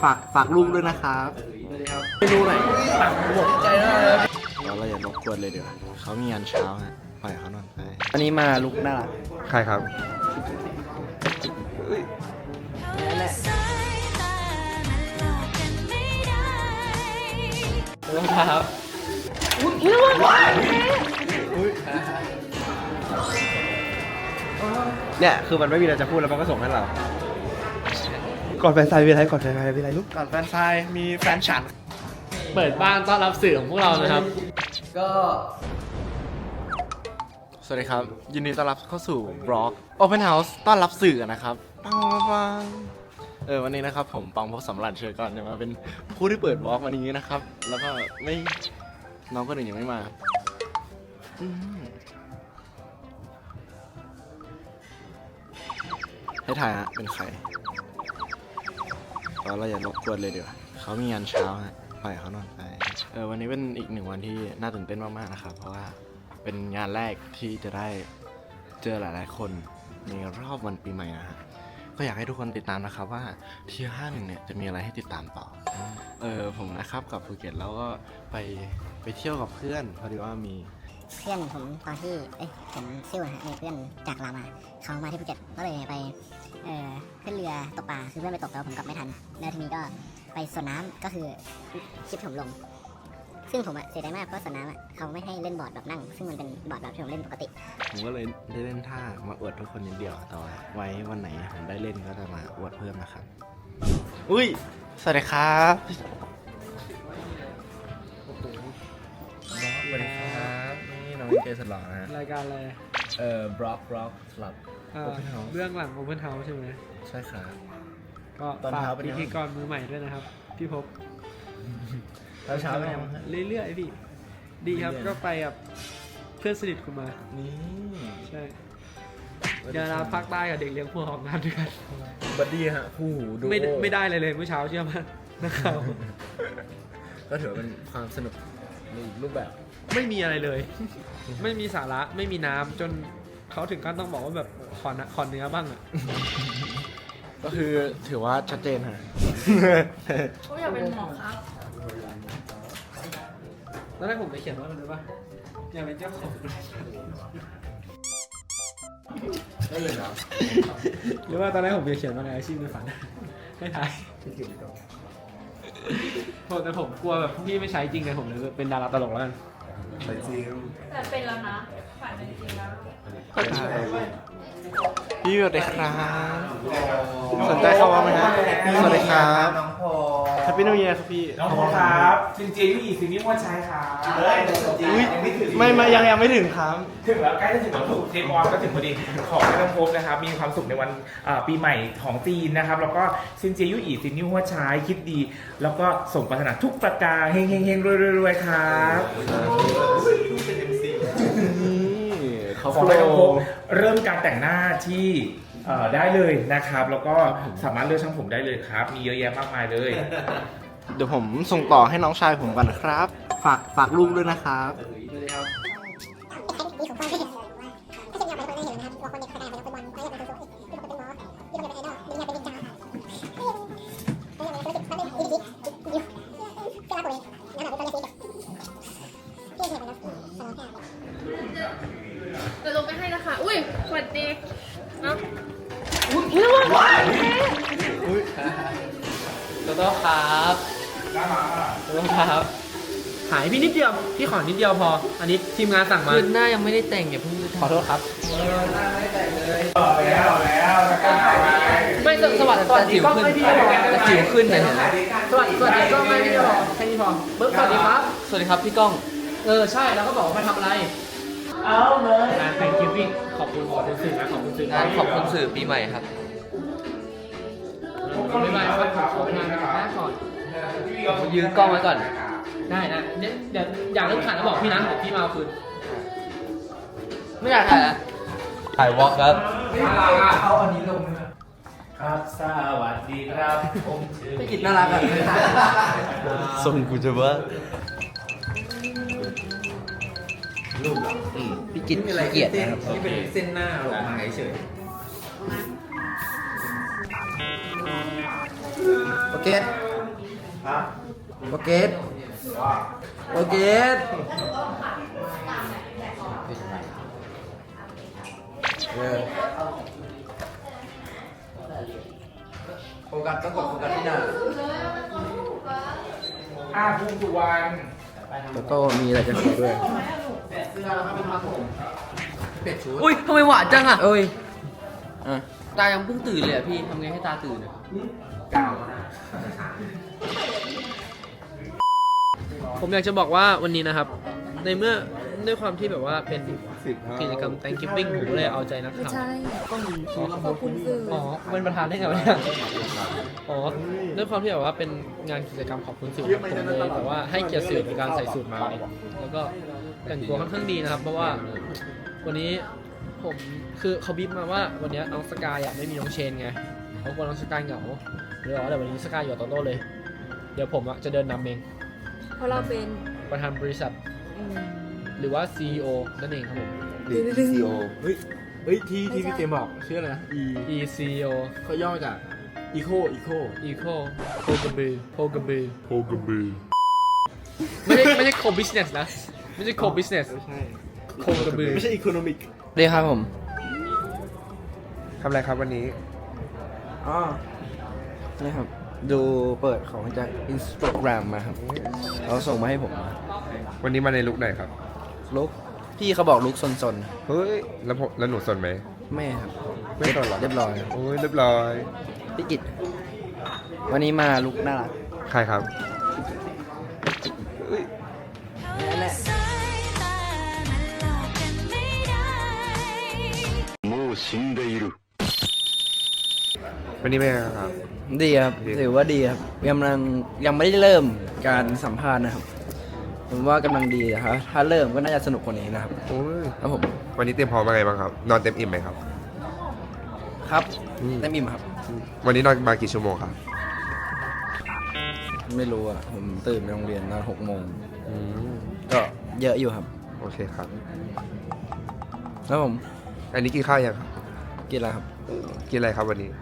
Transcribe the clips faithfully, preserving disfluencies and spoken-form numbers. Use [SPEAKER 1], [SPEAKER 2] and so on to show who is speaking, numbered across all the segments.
[SPEAKER 1] ฝากฝากลูกด้วยนะครับสวัสดีครับเมนูไหนตักหมดใจมากเลยเราอย่ารบกวนเลยเดี๋ยวเขามีงานเช้าฮะปล่อยเขานอนไปวันนี้มาลุกน่ารักใครครับนั่นแหละรองเท้าอุ้ยระวังอุ้ยเนี่ยคือมันไม่มีอะไรจะพูดแล้วมันก็ส่งให้เราก่อนแฟนซายมีอะไรก่อนแฟนซายมีอะไรลูกก่อนแฟนซายมีแฟนฉันเปิดบ้านต้อนรับสื่อของพวกเรานะครับก็สวัสดีครับยินดีต้อนรับเข้าสู่บล็อก Open House ต้อนรับสื่อนะครับปังปังเออวันนี้นะครับผมปังพบสำรันเชิญก่อนจะมาเป็นผู้ที่เปิดบล็อกวันนี้นะครับแล้วก็ไม่น้องคนอื่นยังไม่มาให้ถ่ายฮะเป็นใครเราอย่ารบกวนเลยเดี๋ยวเขามีงานเช้าฮะปล่อยเขานอนไปเออวันนี้เป็นอีกหนึ่งวันที่น่าตื่นเต้นมากๆนะครับเพราะว่าเป็นงานแรกที่จะได้เจอหลายๆคนในรอบวันปีใหม่นะฮะก็อยากให้ทุกคนติดตามนะครับว่าเทียร์ห้าหนึ่งเนี่ยจะมีอะไรให้ติดตามต่อเออผมนะครับกับภูเก็ตแล้วก็ไปไปเที่ยวกับเพื่อนพอดีว่ามี
[SPEAKER 2] เพื่อนผมตอนที่เอ้ยผมซิ่วนะฮะมีเพื่อนจากลาวมาเขามาที่ภูเก็ตก็เลยไปเอ่อขึ้นเรือตกปลาคือเพื่อนไปตกแต่ผมกลับไม่ทันแล้วทีนี้ก็ไปสวนน้ำก็คือชิปผมลงซึ่งผมอะเสียดายมากเพราะสวนน้ำอะเขาไม่ให้เล่นบอร์ดแบบนั่งซึ่งมันเป็นบอร์ดแบบที่ผมเล่นปกติ
[SPEAKER 1] ผมก็เลยได้เล่นท่ามาอวดทุกคนนิดเดียวแต่ว่าไว้วันไหนผมได้เล่นก็จะมาอวดเพิ่มนะครับอุ้ยสวัสดีครับสวัสดีครับนี่น้องเจสหล่อนะฮะ
[SPEAKER 3] รายการอะไร
[SPEAKER 1] เอ่อบล็อกบล็อกสลับ
[SPEAKER 3] เรื่องหลัง Open House ใช่ไหม
[SPEAKER 1] ใช่ครับ
[SPEAKER 3] ก็ฝากพิธีกรมือใหม่ด้วยนะครับพี่พบ
[SPEAKER 1] ตอนเช้าเป็นยังไง
[SPEAKER 3] เรื่อยๆพี่ดีครับก็ไปกับเพื่อนสนิทคุณมา
[SPEAKER 1] นี่
[SPEAKER 3] ใช่เดี๋ยวเราภาคใต้กับเด็กเลี้ยงพวกออกงานด้วยกัน
[SPEAKER 1] บัดดี้ฮะคู่หูดู
[SPEAKER 3] ไม่ไม่ได้เลยเลยเมื่อเช้าเชื่อมั้ยนะครับ
[SPEAKER 1] ก็ถือเป็นความสนุกในรูปแบบ
[SPEAKER 3] ไม่มีอะไรเลยไม่มีสาระไม่มีน้ำจนเขาถึงขั้นต้องบอกว่าแบบขอขอเนื้อบ้างอ่ะ
[SPEAKER 1] ก็คือถือว่าชัดเจนฮะ
[SPEAKER 4] ผมอยากเป็นหมอครับ
[SPEAKER 3] ตอนแรกผมไปเขียนว่าอะไรรู้ป่ะอยากเป็นเจ้าของ
[SPEAKER 1] ได้เลยเหรอ
[SPEAKER 3] หรือว่าตอนแรกผมจะเขียนว่าอะไรอาชีพในฝันไม่ทายผมแต่ผมกลัวแบบพี่ไม่ใช้จริงเลยผมเลยเป็นดาราตลกแล้วกัน
[SPEAKER 1] ไปจริง
[SPEAKER 4] แต่เป็นแล้วนะฝันเป็นจริงแล้ว
[SPEAKER 1] พี่สวัสดีครับสนใจเข้ามาไหมครับสวัสดีครับน้องพอแฮปปี้นิวเยียร์ครับพี่
[SPEAKER 5] น้องพอครับจริงๆอีกสิ่งนี้ว่าใช้ครับเฮ้ย
[SPEAKER 1] ยังไม่ถึงไม่ไม่ยังยังไม่ถึงครับ
[SPEAKER 5] ถึงแล้วใกล้จะถึงแล้วถูกเทปออนก็ถึงพอดีขอให้น้องพบนะครับมีความสุขในวันปีใหม่ของจีนนะครับแล้วก็ซินเจียยู่อีสิ่งนี้ว่าใช้คิดดีแล้วก็ส่งปรารถนาทุกประการเฮงเฮงเฮงรวยๆครับขอให้น้องพบเริ่มการแต่งหน้าที่ได้เลยนะครับแล้วก็สามารถเลือกช่างผมได้เลยครับมีเยอะแยะมากมายเลย
[SPEAKER 1] เดี๋ยวผมส่งต่อให้น้องชายผมก่อนนะครับฝากฝากลูกด้วยนะครับสวัสดีครับ
[SPEAKER 4] เดี๋ยวลงไปให้นะคะอุ้ยสวัสดีเนาะ
[SPEAKER 3] อุ้ยระวังอุ้ยโตโต้ครับโตโต้ครับหายพี่นิดเดียวพี่ขอนิดเดียวพออันนี้ทีมงานสั่งมา
[SPEAKER 6] คือหน้ายังไม่ได้แต่งอย่าเพิ่ง
[SPEAKER 3] ขอโทษครับ
[SPEAKER 5] หน้าไม่แต่งเลยแล้วแล้ว
[SPEAKER 6] ไม่สวัสดีสวัสดีกล้องไม่พี่พอจะจิ๋วขึ้นเลยเห็นไหม
[SPEAKER 3] สวัสดีสวัสดีกล้องไม่พี่พอแค่นี้พอปึ๊บสวัสดีครับ
[SPEAKER 6] สวัสดีครับพี่ก้อง
[SPEAKER 3] เออใช่แล้วก็บอกว่ามาทำอะไร
[SPEAKER 5] เอาเลย
[SPEAKER 3] งานแฟนกิฟติ้งขอบคุณขอบคุณสื่อนะขอบคุณสื่อง
[SPEAKER 6] านขอบคุณสื่อปีใหม่ครับ
[SPEAKER 3] ไม่ไม่ครับขอทานกันหน้าก่อน
[SPEAKER 6] ยืนกล้องไว้ก่อน
[SPEAKER 3] ได้นะเดี๋ยวเดี๋ยวอยากเริ่มถ่ายแล้วบอกพี่นะเดี๋ยวพี่มาเอาคืน
[SPEAKER 6] ไม่อยากถ่ายนะถ่ายวอล์กครับ
[SPEAKER 5] เอาอันนี้ลงครับสวัสดีครับผมชื่อ
[SPEAKER 6] พี่กิตน่ารักอ่ะ
[SPEAKER 1] ส่งกูจะว่า
[SPEAKER 6] รูปหรอพี่กิตอะไรเกียรตินะครับ
[SPEAKER 5] นี่เป็นเส้นหน้าออกมาเฉย
[SPEAKER 1] โอเค
[SPEAKER 6] โปรเกตโปรเกตเออโฟกัสต้องกดโฟกัสที่หน้า
[SPEAKER 5] อ่าภูมิสุวรรณ
[SPEAKER 6] แล้วก็มีอะไรจะขอด้วยอุ้ยทำไมหวานจังอ่ะเอ้ยอ่ะตายังเพิ่งตื่นเลยอ่ะพี่ทำไงให้ตาตื่นอ่ะ
[SPEAKER 5] กาว
[SPEAKER 3] ผมอยากจะบอกว่าวันนี้นะครับ ในเมื่อด้วยความที่แบบว่าเป็นกิจกรรม Thanksgiving ผมก็เลยเอาใจนักข่าว
[SPEAKER 7] ใช่ขอบคุณสื่อ
[SPEAKER 3] อ๋อเป็นประธานได้ไงวะเนี่ยอ๋อด้วยความที่แบบว่าเป็นงานกิจกรรมขอบคุณสื่อผมเลยแบบว่าให้เกียรติสื่อในการใส่สูทมา แล้วก็แต่งตัวค่อนข้างดีนะครับ เพราะว่าวันนี้ผมคือเขาบีบมาว่าวันนี้น้องสกายอ่ะไม่มีน้องเชนไงเขากลัวน้องสกายเหงาเลยบอกว่าเดี๋ยววันนี้สกายอยู่กับโตโต้เลย เดี๋ยวผมอ่ะจะเดินนำเอง
[SPEAKER 7] เพราะเราเป็น
[SPEAKER 3] ประธานบริษัท
[SPEAKER 7] อืม
[SPEAKER 3] หรือว่า ซี อี โอ นั่นเองครับผม
[SPEAKER 1] ดีซีโอเฮ้ย เฮ้ย ที่ที่พี่เกมบอกชื่ออะไรนะ E
[SPEAKER 3] E ซี อี โอ
[SPEAKER 1] เขาย่อมาจาก Eco Eco
[SPEAKER 3] Eco โพกระบือโพกระบือโพกระบือไม่ใช่ไม่ใช่ co business นะ ไม่ใช่ co business
[SPEAKER 1] ไม่ใช่
[SPEAKER 3] โคกระบือ
[SPEAKER 1] ไม่ใช่ Economic
[SPEAKER 6] ดีครับผม
[SPEAKER 8] ทำอะไรครับวันนี้
[SPEAKER 6] อ๋อนี่ครับ ดูเปิดของจาก Instagram มาครับเขาส่งมาให้ผม
[SPEAKER 8] วันนี้มาในลุคไหนครับ
[SPEAKER 6] ลุกพี่เขาบอกลุกซน
[SPEAKER 8] เฮ้ย แล้วผมแล้วหนูสนไหม
[SPEAKER 6] ๆแม่ครับ
[SPEAKER 8] ไม่สนหรอ
[SPEAKER 6] เรียบร้อย
[SPEAKER 8] โอ้ยเรียบร้อย
[SPEAKER 6] พี่กิตวันนี้มาลุกน่ารัก
[SPEAKER 8] ใครครับ
[SPEAKER 6] นั่นแหละ
[SPEAKER 8] วันนี้เป็นไงครับ
[SPEAKER 6] ดีครับ
[SPEAKER 8] ดี
[SPEAKER 6] ถือว่าดีครับกำลังยังไม่ได้เริ่มการสัมภาษณ์นะครับ ผมว่ากำลังดีนะครับถ้าเริ่มก็น่าจะสนุกกว่านี้นะครับ
[SPEAKER 8] โอ้ย
[SPEAKER 6] ครับผม
[SPEAKER 8] วันนี้เตรียมพร้อมมาไงบ้างครับ นอนเต็มอิ่มไหมครับ
[SPEAKER 6] ครับ
[SPEAKER 8] อืม
[SPEAKER 6] เต็มอิ่มครับ
[SPEAKER 8] วันนี้นอนมากี่ชั่วโมงครับ
[SPEAKER 6] ไม่รู้อ่ะผมตื่นไปโรงเรียนตอนหกโมง
[SPEAKER 8] อืม
[SPEAKER 6] ก็เยอะอยู่ครับ
[SPEAKER 8] โอเคครับ
[SPEAKER 6] แล้วผม
[SPEAKER 8] อันนี้กินข้าวยังครับ
[SPEAKER 6] กินอะไรครับ
[SPEAKER 8] กินอะไรครับวันนี้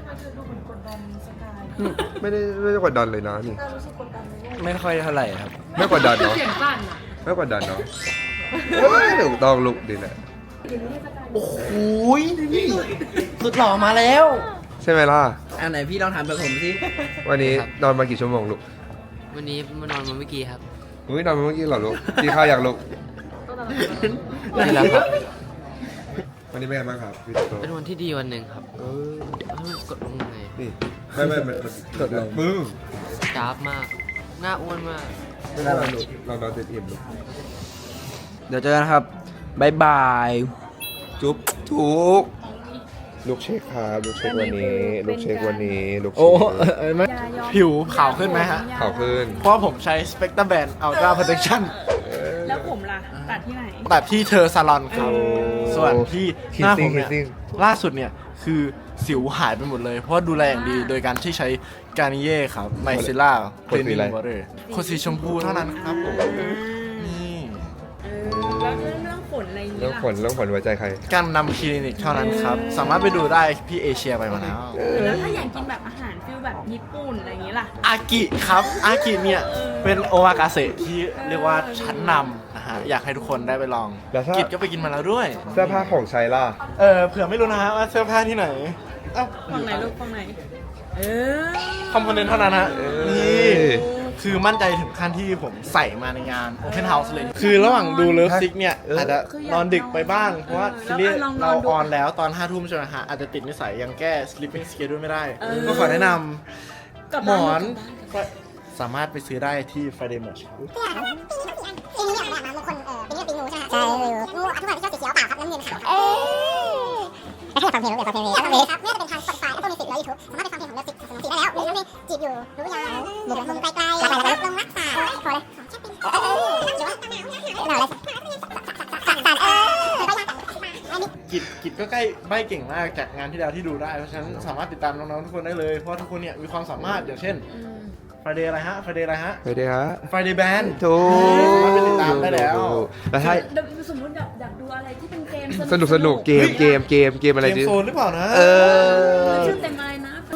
[SPEAKER 8] ไม่ได้ไม่ได้กดดันเลยนะนี่
[SPEAKER 6] ไม่ค่อยเท่าไหร่ครับ
[SPEAKER 8] ไม่กดดันเนาะ
[SPEAKER 4] เสียงสั่นอ่ะ
[SPEAKER 8] ไม่กดดันเนาะเฮ้ยถูกต้องลุกดีแหละ
[SPEAKER 6] โอ้โหสุดหล่อมาแล้ว
[SPEAKER 8] ใช่ไหมล่ะ
[SPEAKER 6] อันไหนพี่ลองถามแบบผมสิ
[SPEAKER 8] วันนี้นอนมากี่ชั่วโมงลูก
[SPEAKER 9] วันนี้มานอนมาเมื่อกี้ครับ
[SPEAKER 8] เฮ้ยนอนมาเมื่อกี้เหรอลูกกินข้าวยังลูก
[SPEAKER 9] นี่แหละครับ
[SPEAKER 8] วันนี้เป็นไงบ้างครับพี่โต
[SPEAKER 9] เป็นวันที่ดีวันหนึ่งครับ
[SPEAKER 8] เออ
[SPEAKER 9] เฮ้ยกดลงไง
[SPEAKER 8] นี่ไม่ไม่ไม่มันกดลงมึง
[SPEAKER 9] จ้าบมาก หน้าอ้วนมาก
[SPEAKER 8] ไม่ได้ลูกเรานอนเต็มอิ่มลูก
[SPEAKER 6] เดี๋ยวเจอกันครับบายบาย
[SPEAKER 8] จุ๊บทุกลูกเช็คครับลูกเช็ควันนี้ลูกเช็ควันนี้ลูกเช็
[SPEAKER 1] โอ้
[SPEAKER 8] ค
[SPEAKER 1] เออไม่ผิวขาวขึ้นไหมฮะ
[SPEAKER 8] ข่าวขึ้น
[SPEAKER 1] เพราะว่าผมใช้ Spectra Band Ultra Protection
[SPEAKER 7] แล้วผมล่ะ ตัดที่ไหน
[SPEAKER 1] ตัดที่เธอซาลอนครับ ส่วนที่หน้าผมเนี่ย
[SPEAKER 8] Kissing
[SPEAKER 1] ล่าสุดเนี่ย คือสิวหายไปหมดเลย เพราะว่าดูแลอย่างดีโดยการที่ใช้การนิเย่ครับไมซิล่า
[SPEAKER 8] ขวดสีอะไร
[SPEAKER 1] วอเตอร์ขวดสีชมพูเท่านั้นครับผมนี่
[SPEAKER 7] แล้วเรื่องเรื่องฝนอะไรอย่าง
[SPEAKER 8] เรื่
[SPEAKER 7] นี้
[SPEAKER 8] อง
[SPEAKER 7] ล่ะ
[SPEAKER 8] ผลเรื่องผลไว้ใจใคร
[SPEAKER 1] การนำคลินิกเท่านั้นครับ สามารถไปดูได้พี่เอเชียไปมาแล้ว
[SPEAKER 7] แล้วถ้าอยากกินแบบอาหารฟิลแบบญี่ปุ่นอะไรอย่างนี้ล่ะ
[SPEAKER 1] อากิครับ อากิเนี่ย เป็นโอมากาเสะที่เรียกว่าชั้นนำนะฮะ อยากให้ทุกคนได้ไปลอง
[SPEAKER 8] แล้วถ้า
[SPEAKER 1] กิจก็ไปกินมาแล้วด้วย
[SPEAKER 8] เสื้อผ้าของใช้ล่ะ
[SPEAKER 1] เออเผื่อไม่รู้นะฮะว่าเสื้อผ้าที่ไหนอ้าว
[SPEAKER 7] ฝั่งไหนลูกฝั่งไหน เออ
[SPEAKER 1] คอมโพเนนต์เท่านั้นฮะ
[SPEAKER 8] เออ
[SPEAKER 1] นี่คือมั่นใจถึงขั้นที่ผมใส่มาในงาน Open House เลย คือระหว่างดูเลิฟซิกเนี่ย อาจจะนอนดึกไปบ้าง เพราะว่าซีรีส์เราออนแล้วตอนห้าทุ่มใช่ไหมฮะ อาจจะติดนิสัยยังแก้ sleeping schedule ไม่ได้ ก็ขอแนะนำหมอนก็สามารถไปซื้อได้ที่ Friday Merch
[SPEAKER 2] ปีนี้เนี่ยแบบมงคลเออปีนี้เป็นปีงูใช่ไหมใช่งูทุกคนที่ชอบสีเขียวเปล่าครับน้ำเงินขาวเออแล้วถ้าอยากฟังเพลงอยากฟังเพลงอยากฟังเพลงครับไม่ว่าจะเป็นทาง Spotify แล้วก็มีสิทธิ์แล้ว YouTube สามารถไปฟังเพลงของเลิฟซิกสองสีได้แล้วหรือยังมีจีบอยู่รู้ยังหรือมุมไกลๆหลักๆลงรักษาพอเลยเออเออหรือว่าหนาวอะไรสักสักเออ
[SPEAKER 1] กิจกิจก็ใกล้ใบเก่งมากจากงานที่แล้วที่ดูได้ เพราะฉะนั้นสามารถติดตามน้องๆทุกคนได้เลย เพราะว่าทุกคนเนี่ยมีความสามารถอย่างเช่น Friday อะไรฮะ Friday อะไรฮะ
[SPEAKER 8] ไปดีฮะ
[SPEAKER 1] Friday Band
[SPEAKER 8] ถูก
[SPEAKER 1] สามารถไปติดตามได้แล้ว
[SPEAKER 8] แล้วถ้า
[SPEAKER 7] สมมติอยากอยากดูอะไรที่เป็นเกม
[SPEAKER 8] สนุกสนุกเกมเกมเกมเกมอะไร
[SPEAKER 1] เกม
[SPEAKER 8] ดิ
[SPEAKER 1] โซนหรือเปล่านะ
[SPEAKER 8] เออ
[SPEAKER 7] ชื่อเต็มอะไรนะ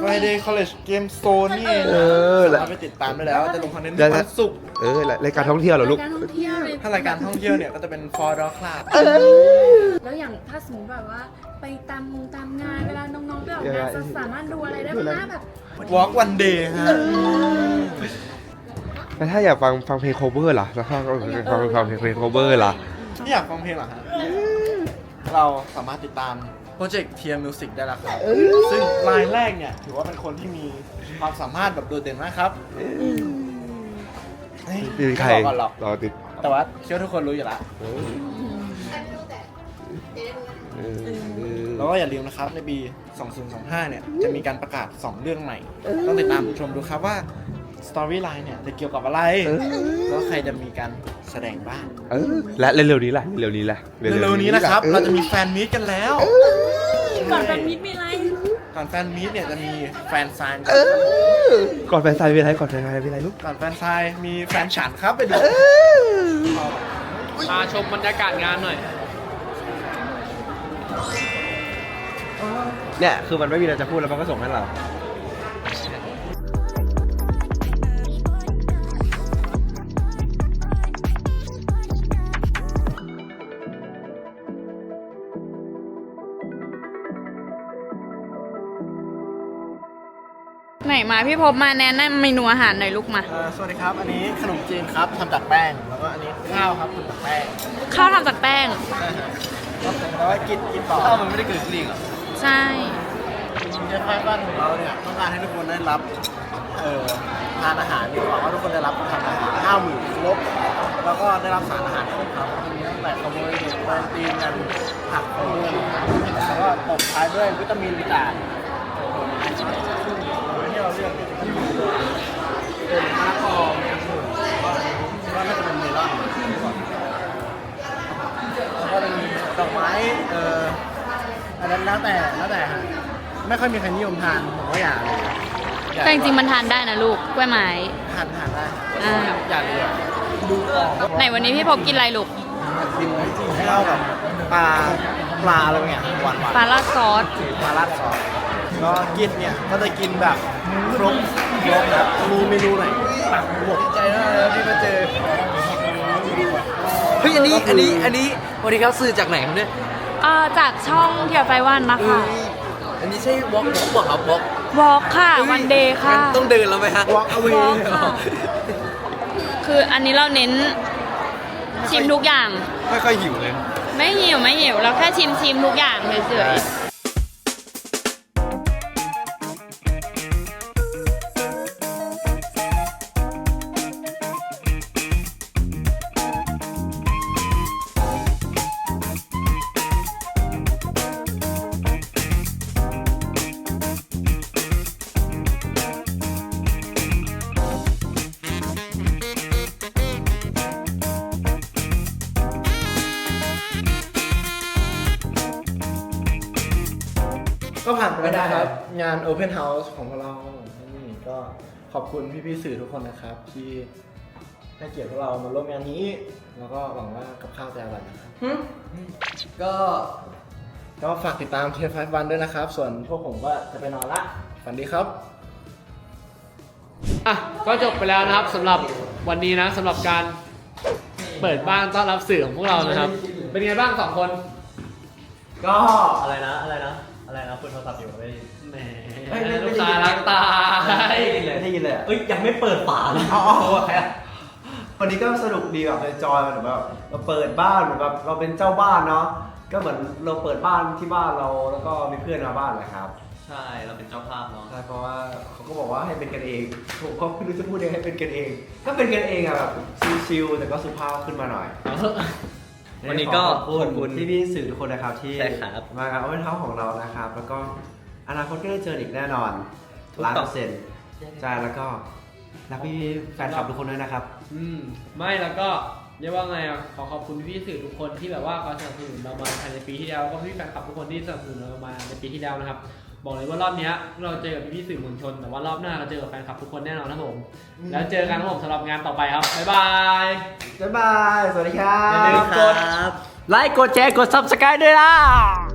[SPEAKER 1] Friday College Game Zone นี่เอง
[SPEAKER 8] เออ
[SPEAKER 1] สามารถไปติดตามได้แล้ว จะลงคอนเทนต์
[SPEAKER 8] ได้
[SPEAKER 1] ทุก
[SPEAKER 8] แล้ว
[SPEAKER 1] วันศุกร์
[SPEAKER 8] เออรายการท่องเที่ยวเหรอลูก
[SPEAKER 7] การท่องเที่ยวเลย
[SPEAKER 1] ถ้ารายการท่องเที่ยวเนี่ยก็จะเป็น For Dog Club
[SPEAKER 7] แล้วอย่างถ้าสมมติแบบว่า ไปตามงงตามงานเวลาน้องๆไปออกงานจะสามารถดูอะไรได้บ้างนะแบบ
[SPEAKER 1] Walk One Day ฮะ
[SPEAKER 8] แล้วถ้าอยากฟังฟังเพลง cover ล่ะแล้วถ้าฟังฟังเพลง cover ล่ะ
[SPEAKER 1] นี่อยากฟังเพลงเหรอฮะ เราสามารถติดตามโปรเจกต์ Tier Music ได้แล้วครับ ซึ่งรายแรกเนี่ย ถือว่าเป็นคนที่มีความสามารถแบบโดดเด่นมากครับเฮ้ย
[SPEAKER 8] มีใคร
[SPEAKER 1] ไม่บอกก่อนหรอก
[SPEAKER 8] รอติด
[SPEAKER 1] แต่ว่าเชื่อทุกคนรู้อยู่แล้ว
[SPEAKER 8] เออ
[SPEAKER 1] แล้วก็อย่าลืมนะครับ ในปี สองพันยี่สิบห้า เนี่ย จะมีการประกาศ สอง เรื่องใหม่ ต้องติดตามชมดูครับว่า Storyline เนี่ย จะเกี่ยวกับอะไร แล้วใครจะมีการแสดงบ้าง
[SPEAKER 8] เออและเร็วๆนี้ล่ะเร็วๆนี้ล่ะ
[SPEAKER 1] เร็วๆนี้นะครับ เราจะมีแฟนมีตกันแล้ว
[SPEAKER 7] ก่อนแฟนมิตรมีอะไร
[SPEAKER 1] ก่อนแฟนมีตเนี่ยจะมีแฟนไซน์
[SPEAKER 8] เออก่อนแฟนซายมีอะไรก่อนแฟนซายมีอะไรลูก
[SPEAKER 1] ก่อนแฟนไซน์มีแฟนฉันครับไปดู
[SPEAKER 3] พาชมบรรยากาศงานหน่อย
[SPEAKER 6] เนี่ยคือมันไม่มีอะไรจะพูดแล้วมันก็ส่งให้เรา
[SPEAKER 7] ไหนมาพี่พบมาแนะนำเมนูอาหารหน่อยลูกมา
[SPEAKER 1] เอ่อสวัสดีครับ อันนี้ขนมจีนครับทำจากแป้ง แล้วก็อันนี้ข้าวครับทำจากแป้ง
[SPEAKER 7] ข้าวทำจากแป้ง
[SPEAKER 1] ใช่ฮะแล้วก็กินกินต่อ
[SPEAKER 6] ข้าวมันไม่ได้เกิดขึ้นเองเหรอ
[SPEAKER 7] ใช่
[SPEAKER 1] เจ๊ไฟบ้านของเราเนี่ยต้องการให้ทุกคนได้รับเอ่อทานอาหารดีกว่าว่าทุกคนได้รับทานอาหารห้าหมื่นครบแล้วก็ได้รับสารอาหารครบครับมีตั้งแต่คาร์โบไฮเดรตโปรตีนกันผักของเมืองแล้วก็ตบท้ายด้วยวิตามินต่างที่เราเลือกเป็นมะละกอมีองุ่นแล้วก็น่าจะเป็นเมลอนแล้วก็จะมีดอกไม้เอ่ออันนั้นแล้วแต่แล้วแต่ฮะไม่ค่อยมีใครนิยมทานผมก็อยากเลย
[SPEAKER 7] แต่จริงๆมันทานได้นะลูกกล้วยไม้
[SPEAKER 1] ทานทานได้
[SPEAKER 7] อ่า
[SPEAKER 1] อยากเลยอะดูออก
[SPEAKER 7] ไหนวันนี้พี่พบกินอะไรลูก
[SPEAKER 1] กินให้เข้ากับปลาปลาอะไรเงี้ยหวานหวาน
[SPEAKER 7] ปลาราดซอส
[SPEAKER 1] ปลาราดซอสก็กินเนี่ยก็จะกินแบบครบครบครับมีเมนูไหนหมดใจมากเลยที่มาเจอ
[SPEAKER 9] เฮ้ย อันนี้ อันนี้ อันนี้วันนี้เขาซื้อจากไหนครับเนี่ย
[SPEAKER 7] เอ่อจากช่องเทียร์ไฟวันนะคะ
[SPEAKER 9] อันนี้ใช่วอล์กวอล์กบอกครับวอล์ก
[SPEAKER 7] วอล์กค่ะ วันเดย์ค่ะ
[SPEAKER 9] ต้องเดินแล้วไหมฮะ
[SPEAKER 1] walk away
[SPEAKER 7] วอล์กค่ะ คืออันนี้เราเน้นชิมทุกอย่าง
[SPEAKER 8] ไม่ค่อยหิวเลย
[SPEAKER 7] ไม่หิวไม่หิวเราแค่ชิมชิมทุกอย่างเฉยๆ
[SPEAKER 1] ก็ผ่านไปแล้วนะครับ งาน Open House ของพวกเรานี่ก็ขอบคุณพี่ๆสื่อทุกคนนะครับ ที่ให้เกียรติพวกเรามาร่วมงานนี้ แล้วก็หวังว่ากับข้าวจะอร่อยนะครับ
[SPEAKER 9] ก็
[SPEAKER 1] ก็ฝากติดตามเทียร์ไฟวันด้วยนะครับ ส่วนพวกผมก็จะไปนอนละฝันดีครับ
[SPEAKER 3] อ่ะ ก็จบไปแล้วนะครับสำหรับวันนี้นะสำหรับการเปิดบ้านต้อนรับสื่อของพวกเรานะครับ เป็นไงบ้างสองคน
[SPEAKER 6] ก็อะไรนะอะไรนะอะไรนะคุยโทรศัพท์อยู่ไม่ได้ยิน
[SPEAKER 3] แหมลูกตาล้างตา
[SPEAKER 6] ไม่ได้ยินเลยไม่ได้ยินเลยเอ้ยยังไม่เปิดฝาเลยอ๋อใครอ่ะวันนี้ก็สนุกดีแบบจอยๆเหมือนแบบเราเปิดบ้านเหมือนแบบเราเป็นเจ้าบ้านเนาะก็เหมือนเราเปิดบ้านที่บ้านเราแล้วก็มีเพื่อนมาบ้านแหละครับใช่เราเป็นเจ้าภาพเนาะใช่เพราะว่าเขาก็บอกว่าให้เป็นกันเองผมก็ไม่รู้จะพูดยังไงให้เป็นกันเองก็เป็นกันเองอะแบบชิลๆแต่ก็สุภาพขึ้นมาหน่อย วันนี้ก็ขอบคุณพี่พี่ๆสื่อทุกคนนะครับที่มากับเอาเป็นเท้าของเรานะครับ แล้วก็อนาคตก็ได้เจออีกแน่นอนล้านเปอร์เซ็นต์ใช่แล้วก็รักพี่ๆแฟนคลับทุกคนด้วยนะครับ
[SPEAKER 3] อืมไม่แล้วก็เรียกว่าไงอ่ะขอขอบคุณพี่ๆสื่อทุกคนที่แบบว่าคอยสนับสนุนเรามาภายในปีที่แล้วแล้วก็พี่แฟนคลับทุกคนที่สนับสนุนเรามาในปีที่แล้วนะครับบอกเลยว่ารอบเนี้ยเราเจอกับพี่ๆสื่อมวลชนแต่ว่ารอบหน้าเราเจอกับแฟนคลับทุกคนแน่นอนนะครับผมแล้วเจอกันครับผมสำหรับงานต่อไปครับบ๊ายบาย
[SPEAKER 6] บ๊ายบาย สวัสดีครับ
[SPEAKER 3] อย่าลืมกด
[SPEAKER 6] ไลค์ กดแชร์ กด ซับสไครบ์ ด้วยนะ